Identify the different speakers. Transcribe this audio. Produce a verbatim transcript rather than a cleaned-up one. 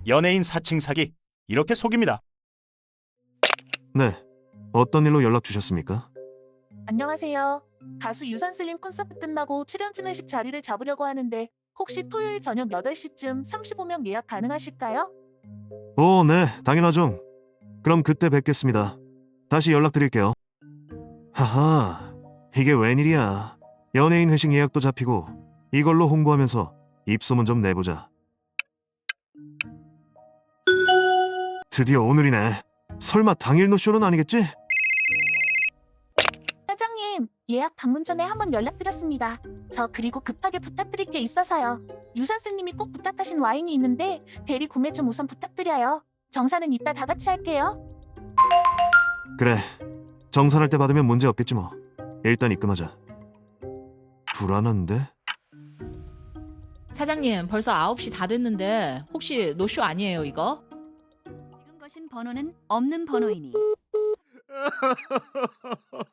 Speaker 1: 연예인 사칭 사기 이렇게 속입니다.
Speaker 2: 네, 어떤 일로 연락 주셨습니까?
Speaker 3: 안녕하세요. 가수 유산슬림 콘서트 끝나고 출연진회식 자리를 잡으려고 하는데 혹시 토요일 저녁 여덟 시쯤 삼십오 명 예약 가능하실까요?
Speaker 2: 오, 네, 당연하죠. 그럼 그때 뵙겠습니다. 다시 연락드릴게요. 하하, 이게 웬일이야. 연예인 회식 예약도 잡히고 이걸로 홍보하면서 입소문 좀 내보자. 드디어 오늘이네. 설마 당일 노쇼는 아니겠지?
Speaker 3: 사장님, 예약 방문 전에 한번 연락드렸습니다. 저 그리고 급하게 부탁드릴 게 있어서요. 유산슬님이 꼭 부탁하신 와인이 있는데 대리 구매 좀 우선 부탁드려요. 정산은 이따 다 같이 할게요.
Speaker 2: 그래, 정산할 때 받으면 문제 없겠지 뭐. 일단 입금하자. 불안한데?
Speaker 4: 사장님, 벌써 아홉 시 다 됐는데 혹시 노쇼 아니에요, 이거?
Speaker 5: 지금 거신 번호는 없는 번호이니